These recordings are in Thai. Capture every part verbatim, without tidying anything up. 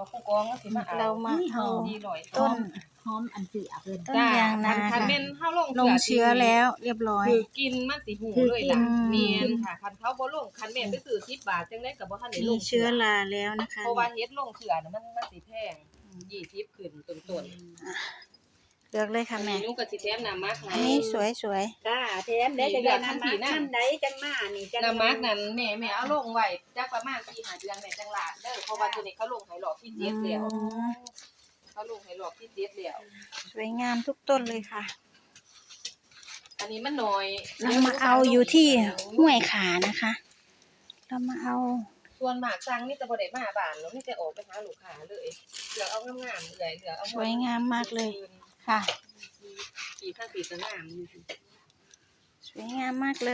ผู้กองก็สิมาเอาเรามาเอาดีร้อยต้นหอมอันเสือเพิ่นต้นยางนาคัค่ะนแม่นเฮาลงลงเชื้อแล้วเรียบร้อยคือกินมันสิหูเลยล่ะคือกินเมียนค่ะคันเขาบ่ลงคันแม่นไปซื้อสิบบาทจังได๋ก็บ่ทันได้ลมีงเชื้อราแล้วนะคะเพราะว่าเฮ็ดลงเชื้อน่ะมันมันสิแพงยี่สิบขึ้นต้นเลือกเลยค่ะๆแม่หนูก็สิแถมน้ำมักให้อันนี้สวยสวยค่ะแถมได้จังได๋น้ำมันน้ำใดจังมานี่จังน้ำมักนั่นแม่แม่เอาลงไว้จักประมาณสี่ห้าเดือนแม่จังลาดเด้อเพราะว่าตัวนี้เขาลงให้รอบที่ๆเจ็ดแล้วอืมเขาลงให้รอบที่เจ็ดแล้วสวยงามทุกต้นเลยค่ะอันนี้มันน้อยเรามาเอาอยู่ที่ห้วยขานะคะ เรามาเอาส่วนมากสั่งนี่จะบ่ได้มาบ้านเนาะมีแต่ออกไปหาลูกค้าเลยเหลือเอางามๆเลยเหลือเอาสวยงามมากเลยค่ะปีข้างปีก็งามอยู่สิสวยงามมากเลย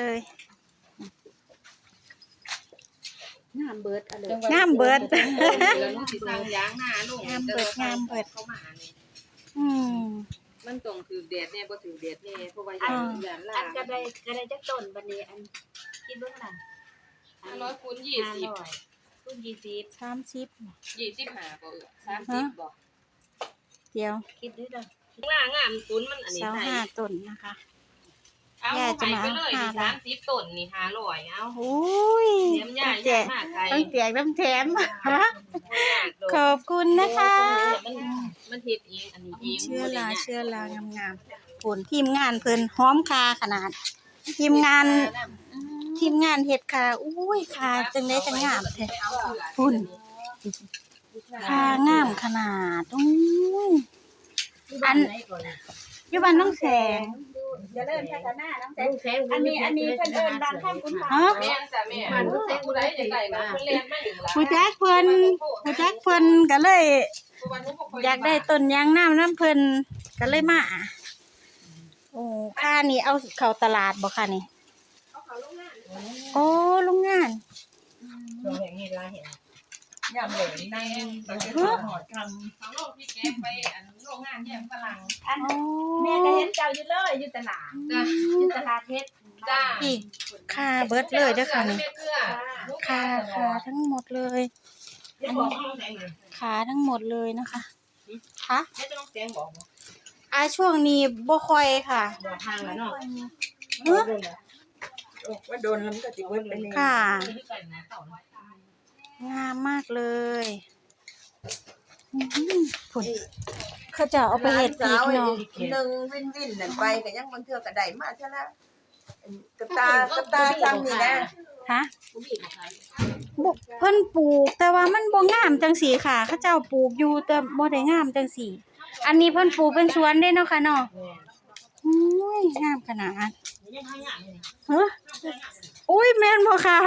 งามเบิดอะเลยงามเบิดเดือนสิสั่งยางหน้าลงงามเบิดงามเบิดเข้ามานี่อืมมันต้องถือแดดแน่บ่ถือแดดแน่เพราะว่าอ่ายางลาอันก็ได้ก็ได้จักต้นบัดนี้อันคิดเบิ่งนั่นห้าร้อยคูณยี่สิบคูณยี่สิบสามสิบยี่สิบห้าบ่เออสามสิบบ่เดียวคิดด้วยเด้อข้างล่างงามคูณมันอันนี้เสาใส่ห้าต้นนะคะเอาแย่จะไปมาไปเลยห้านี่บาทสามสิบต้นนี่ห้าร้อยเอาโอ้ยเลี้ยมย่าแจย่าก มากใครต้องแจกน้ำแถมขอบคุณนะคะมันมันเฮ็ดเองอันนี้เองเชื่อลาเชื่อลางามๆผลทีมงานเพิ่นหอมคาขนาด ทีมงานทีมงานเฮ็ดคาอุ้ยคาจังได๋จังงามแท้พุ่นคางามขนาดอุ้ยอันอยู่บ้านน้องแสงเจริญพัฒนาน้ำแสงอันนี้อันนี้เพิ่นเอิ้นบ้านข้ามคุณฟ้าฮะแม่นจ้ะแม่มันผู้ใดจะได้ก็เพิ่นเรียนมาอยู่ล่ะผู้จักเพิ่นผู้จักเพิ่นก็เลยอยากได้ต้นยางน้ำน้ำเพิ่นก็เลยมาโอ้ค่านี่เอาเข้าตลาดบ่ค่ะนี่โอ้โรงงานโรงอย่างนี้ล่ะเห็นยามเหลยในตั้งแต่หอดคำเขาโลกที่แกไปอันโรงงานแยมฝรั่งอันแม่ก็เห็นเจ้าอยู่เลยอยู่ตลาดจ้ะอยู่ตลาดเฮ็ดจ้าอีกค่าเบิดเลยเด้อค่ะนี่เกลือค่าค่าทั้งหมดเลยจะบอกเอาไหนเลยขาทั้งหมดเลยนะคะค่ะไม่ต้องแจ้งบอกบ่อาช่วงนี้บ่ค่อยค่ะบอกทางแล้วเนาะเฮ้อว่าโดนแล้วมันก็สิเวิร์ดไปเลยค่ะที่กันนะเต่าน้อยงามมากเลยอื้อหือผลเขาจะเอาไปเฮ็ดอีกเนาะหนึ่งวินวินนั่นไปก็ยังบางเทื่อก็ได้มาเท่าละกระตากระตาซ้ำนี่นะฮะบุเพิ่นปลูกแต่ว่ามันบ่งามจังสีค่ะ เขาเจ้าปลูกอยู่แต่บ่ได้งามจังสีอันนี้เพิ่นปลูกเป็นสวนเด้เนาะค่ะเนาะอุ้ยงามขนาดเฮ้ออุ้ยแม่นบ่ค่ะ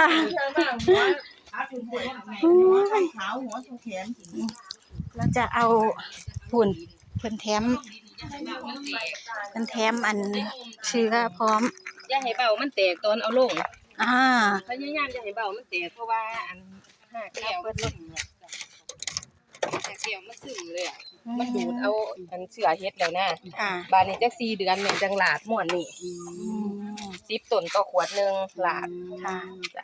อุ้ยขาวหัวชูแขนเราจะเอาฝุ่นเพิ่นแถมเพิ่นแถมอันเชื้อพร้อมอย่าให้เบามันแตกตอนเอาลงอ่าพยายามอย่าให้เบามันแตกเพราะว่าอันห้าแก้วมันล่มเนี่ยห้าแก้วมันซึมเลยอะมันดูดเอาอันเชื้อเฮ็ดแล้วนะค่ะบานนี้จักสี่เดือนแม่จังหลาดม่วนนี่อืมสิบต้นต่อขวดหนึงหลาดค่ะ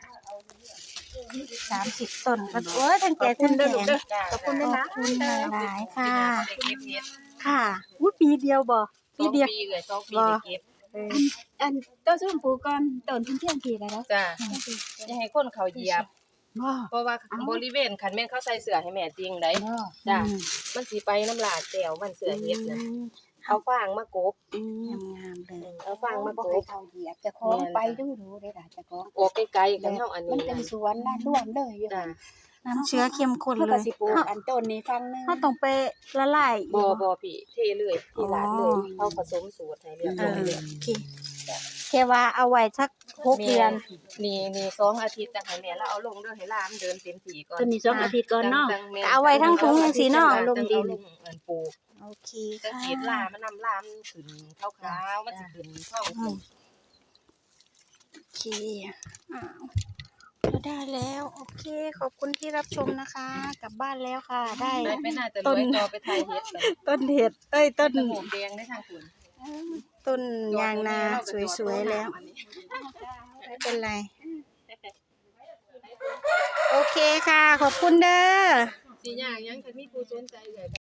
สามสิบต้นก็โอ้ยทั้งแก่ทั้งแถมจ้าขอบคุณหลายๆค่ะได้เก็บเฮ็ดค่ะอุ้ยปีเดียวบ่ปีเดียวสองปีเลยสองปีได้เก็บอันต้นส้มปลูกก่อนต้นเที่ยงทีแล้วเนาะจ้าอย่าให้คนเขาเหยียบบ่เพราะว่าบริเวณคันแม่นเขาใส่เสื้อให้แม่จริงได้จ้ามันสิไปน้ำลาดแก้วมันเสื้อเฮ็ดนะเอาฟางมากบงามๆเลยเอาฟางมากบ่บให้เขาเหยียบจะของไปดูดูได้ล่ะจะของออกไกลๆกันเฮาอันมันี้นเป็นนะสวนนะร่วมเลยอยู่จ้าน้ำเชื้อเข้มข้นเขาเลก็ยสิปลูกเฮาอันต้นนี้ฟังนึงเฮาต้องไปละลายอีกบ่บ่พี่เทเลยที่หลานเลยเขาผสมสูตรให้เรียบเอร้อยอเลยโอเคแค่ว่าเอาไว้สักหกเดือนนี่นี่สองอาทิตย์จังให้แม่แล้วเอาลงเด้อให้หลานเดินเต็มที่ก่อนต้นนี้สองอาทิตย์ก่อนเนาะจังแม่เอาไว้ทั้งถุงจังซี่เนาะลงดินเอิ้นปลูกโอเคจะค่ะเฮ็ดลามันนำลามขึ้นขาวๆมันสิขึ้นท้องอืมโอเคอ้าวเราได้แล้ว โอเค ขอบคุณที่รับชมนะคะ กลับบ้านแล้วค่ะ ได้ได้ไปน่าจะรวยต่อไปไทยเฮ็ดเลยต้นเห็ด เอ้ย ต้นจมูกแดงได้ทางคุณต้นยางนาสวยๆแล้ว ไม่เป็นไร โอเคค่ะ ขอบคุณเด้อสิยากหยังคันมีผู้สนใจเลย